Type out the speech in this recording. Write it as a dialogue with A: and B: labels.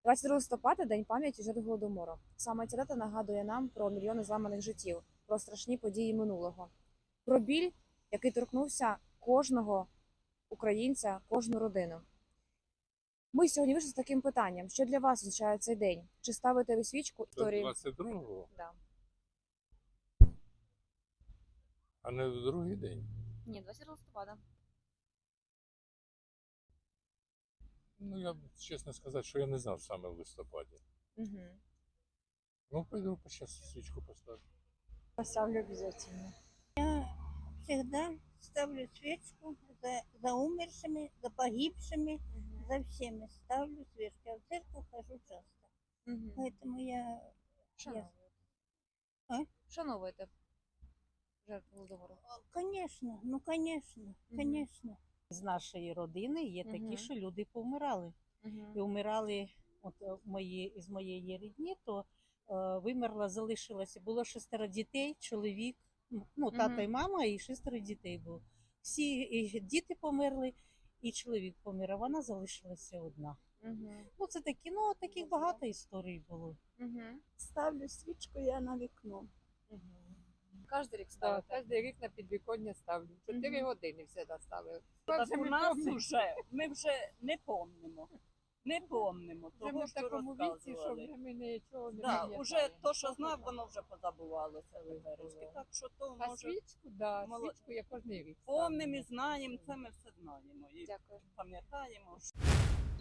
A: 22 листопада – День пам'яті жертв Голодомору. Саме ця дата нагадує нам про мільйони зламаних життів, про страшні події минулого, про біль, який торкнувся кожного українця, кожну родину. Ми сьогодні вийшли з таким питанням. Що для вас означає цей день? Чи ставите ви свічку історії?
B: 22-го,
A: Да.
B: а не в другий день.
A: Ні, 22 листопада.
B: Ну, я чесно сказати, що я не знав саме в листопаді.
A: Угу.
B: Ну, пойду сейчас свічку поставлю.
A: Поставлю обов'язково.
C: Всегда ставлю свечку за умершими, за погибшими, за всеми ставлю свечку. Я в церковь хожу часто. Поэтому я...
A: Вшановуєте жертв Голодомору?
C: Конечно, ну конечно, конечно.
D: З нашої родини є такі,
A: Мгм.
D: що люди помирали. І вмирали з моєї рідні, то залишилося, було 6 дітей, чоловік, тато і мама, і 6 дітей було. Всі і діти померли, і чоловік помер, а вона залишилася одна. Це такі, таких багато історій було.
C: Ставлю свічку я на вікно.
A: Кожен рік
E: Так,
A: ставите?
E: кожен рік на підвіконня ставлю. 4 години все ставили.
F: Так
E: Вже
F: у
E: ми
F: нас
E: помнимо.
F: ми вже не помнимо. Не помнимо
E: Вже ми
F: того,
E: в
F: що
E: такому віці, що
F: розказували.
E: вже ми нічого не
F: Да,
E: пам'ятаємо.
F: уже то, що знав, воно вже позабувалося випередки. Так що то
E: А
F: може
E: свічку, да,
F: Молод-
E: свічку я кожен рік ставлю.
F: помнимо і знаємо, це ми все знаємо і
A: Дякую.
F: пам'ятаємо.